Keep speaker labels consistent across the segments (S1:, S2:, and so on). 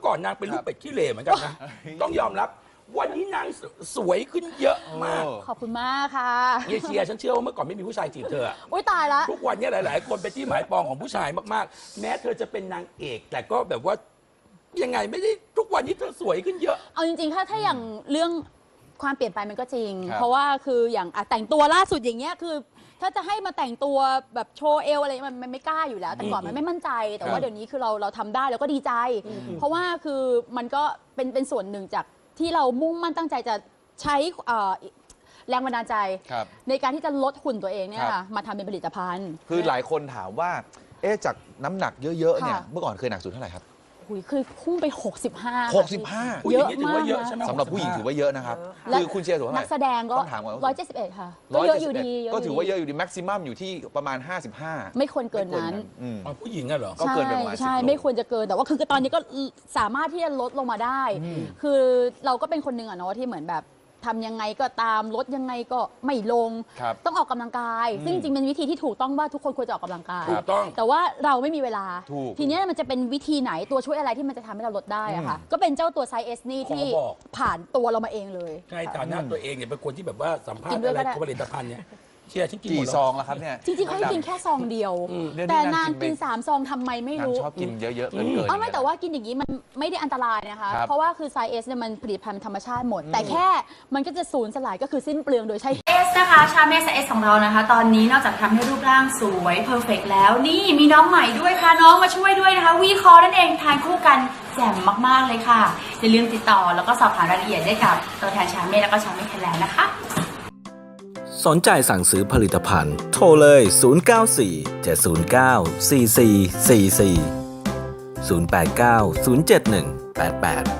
S1: ก่อนนางเป็นลูกเป็ดขี้เหร่เหมือนกันนะต้องยอมรับวันนี้นางสวยขึ้นเยอะมาก
S2: ขอบคุณมากค่ะ
S1: เยเชียร์ฉันเชื่อว่าเมื่อก่อนไม่มีผู้ชายจีบเธอ
S2: อุ้ยตายละ
S1: ทุกวันนี้หลาย ๆ คนเป็นที่หมายปองของผู้ชายมาก ๆ แม้เธอจะเป็นนางเอก แต่ก็แบบว่ายังไงไม่ได้ทุกวันนี้เธอสวยขึ้นเยอะ
S2: เอาจริงๆ ถ้าอย่างเรื่องความเปลี่ยนไปมันก็จริง เพราะว่าคืออย่างแต่งตัวล่าสุดอย่างเงี้ยคือ ถ้าจะให้มาแต่งตัวแบบโชว์เอวอะไรมันไม่กล้าอยู่แล้ว แต่ก่อนมันไม่มั่นใจ แต่ว่าเดี๋ยวนี้คือเราทำได้แล้วก็ดีใจ เพราะว่าคือมันก็เป็นส่วนหนึ่งจากที่เรามุ่งมั่นตั้งใจจะใช้แรงบันดาลใจในการที่จะลดหุ่นตัวเองเนี่ยค่ะมาทำเป็นผลิตภัณฑ์
S3: คือหลายคนถามว่าจากน้ำหนักเยอะๆเนี่ยเมื่อก่อนเคยหนักสุดเท่าไหร่ครับ
S2: คือพุ่งไป 65
S3: 65
S1: ผู้หญิงนี่ถือว่าเยอะใช่ไหม
S3: สำหรับผู้หญิงถือว่าเยอะนะครับ
S2: และ
S3: คือคุณเชียร์ถือว่า
S2: นักแสดงก็
S3: ต้องถามก่อนว่า
S2: 171 ค่ะก็เยอะอยู่ดี
S3: ก็ถือว่าเยอะอยู่ดีแม็กซิมัมอยู่ที่ประมาณ 55
S2: ไม่ควรเกินนั้น
S1: อ๋อผู้หญิงอะเหรอ
S3: ก็เกินไปประมาณ
S2: ใช่
S3: 10 โล
S2: ไม่ควรจะเกินแต่ว่าคือตอนนี้ก็สามารถที่จะลดลงมาได้ คือเราก็เป็นคนหนึ่งอะเนาะที่เหมือนแบบทำยังไงก็ตามลดยังไงก็ไม่ลง ต้องออกกำลังกาย ซึ่งจริงๆเป็นวิธีที่ถูกต้องว่าทุกคนควรจะออกกำลังกาย
S1: ถูกต้อง
S2: แต่ว่าเราไม่มีเวลา
S3: ถูก
S2: ทีเนี้ยมันจะเป็นวิธีไหนตัวช่วยอะไรที่มันจะทำให้เราลดได้อะค่ะก็เป็นเจ้าตัวไซส์เอสนี่ที่
S1: ขอบอก
S2: ผ่านตัวเรามาเองเลย
S1: ในฐานะตัวเองเนี่ยเป็นคนที่แบบว่าสัมภาษ
S2: กิน
S1: ณ์
S2: ด้วย
S1: อะไร
S2: ก็ได้
S1: ของผลิตภัณฑ์เนี่ยเชียร์ฉันกินหม
S3: กี่
S1: ด
S3: ซ
S1: แล้ว
S3: องแล้วครับเนี่ย
S2: จริงๆเขาให้กินแค่ซองเดียว
S3: เดี๋ยวนี้
S2: แต่
S3: นาง
S2: นาง
S3: กิ
S2: กิ
S3: น
S2: น
S3: ไป
S2: 3 ซองทำไมไม่
S3: นาง
S2: รู้
S3: ชอบกินเยอะๆเกินๆ
S2: ไม่แต่ว่ากินอย่างนี้มันไม่ได้อันตรายนะคะ
S3: ครับ
S2: เพราะว่าคือไซเอสเนี่ยมันผลิตภัณฑ์ธรรมชาติหมด แต่แค่มันก็จะสูญสลายก็คือสิ้นเปลืองโดยใช้
S4: เอสนะคะชาเมสเอสของเรานะคะ ตอนนี้นอกจากทำให้รูปร่างสวยเพอร์เฟกแล้วนี่มีน้องใหม่ด้วยค่ะน้องมาช่วยด้วยนะคะวีคอนั่นเองทานคู่กันแจ่มมากๆเลยค่ะอย่าลืมติดต่อแล้วก็สอบถามรายละเอียดได้กับตัวแทนชาเมสแล้วก็ชาเมสไทยแลนด์นะคะ
S5: สนใจสั่งซื้อผลิตภัณฑ์โทรเลย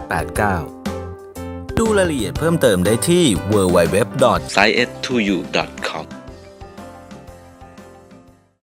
S5: 094-709-4444 089-071-8889 ดูรายละเอียดเพิ่มเติมได้ที่ www.science2u.com